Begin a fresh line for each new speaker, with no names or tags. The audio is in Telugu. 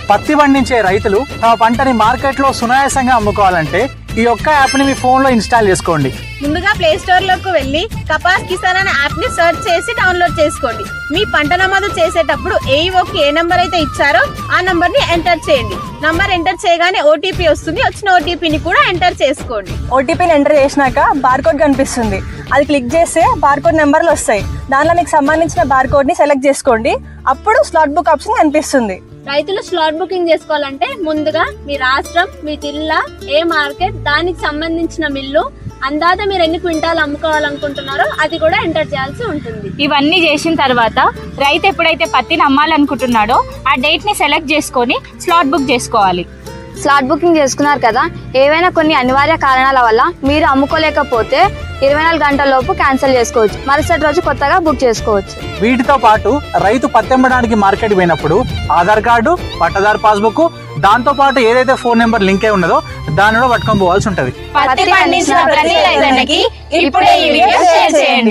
పత్తి పండించే రైతులు తమ పంటని మార్కెట్లో సునాయాసంగా అమ్ముకోవాలంటే ఈ ఒక్క యాప్ ని మీ ఫోన్ లో ఇన్స్టాల్ చేసుకోండి.
ముందుగా ప్లే స్టోర్ లోకి వెళ్ళి కపాస్ కిసాన్ అనే యాప్ ని సెర్చ్ చేసి డౌన్లోడ్ చేసుకోండి. మీ పంట నమోదు చేసేటప్పుడు ఏఈఓకి ఏ నంబర్ అయితే ఇచ్చారో ఆ నంబర్ ని ఎంటర్ చేయండి. నంబర్ ఎంటర్ చేయగానే ఓటీపీ వస్తుంది. వచ్చిన ఓటీపీని కూడా ఎంటర్ చేసుకోండి.
ఓటీపీని ఎంటర్ చేసినాక బార్కోడ్ కనిపిస్తుంది. అది క్లిక్ చేస్తే బార్కోడ్ నెంబర్లు వస్తాయి. దానిలో మీకు సంబంధించిన బార్కోడ్ ని సెలెక్ట్ చేసుకోండి. అప్పుడు స్లాట్ బుక్ ఆప్షన్ కనిపిస్తుంది.
రైతులు స్లాట్ బుకింగ్ చేసుకోవాలంటే ముందుగా మీ రాష్ట్రం, మీ జిల్లా, ఏ మార్కెట్, దానికి సంబంధించిన మిల్లు, అందాజ మీరు ఎన్ని క్వింటాలు అమ్ముకోవాలనుకుంటున్నారో అది కూడా ఎంటర్ చేయాల్సి ఉంటుంది.
ఇవన్నీ చేసిన తర్వాత రైతు ఎప్పుడైతే పత్తిని అమ్మాలనుకుంటున్నాడో ఆ డేట్ ని సెలెక్ట్ చేసుకొని స్లాట్ బుక్ చేసుకోవాలి.
స్లాట్ బుకింగ్ చేసుకున్నారు కదా, ఏవైనా కొన్ని అనివార్య కారణాల వల్ల మీరు అమ్ముకోలేకపోతే 24 గంటల లోపు క్యాన్సిల్ చేసుకోవచ్చు. మరుసటి రోజు కొత్తగా బుక్ చేసుకోవచ్చు.
వీటితో పాటు రైతు పత్తి అమ్మడానికి మార్కెట్ పోయినప్పుడు ఆధార్ కార్డు, పట్టదారు పాస్బుక్, దాంతో పాటు ఏదైతే ఫోన్ నెంబర్ లింక్ అయి ఉన్నదో దానిలో పట్టుకొని పోవాల్సి ఉంటది.
పత్తి పండించిన ప్రతి రైతన్నకి ఇప్పుడే ఈ వీడియో షేర్ చేయండి.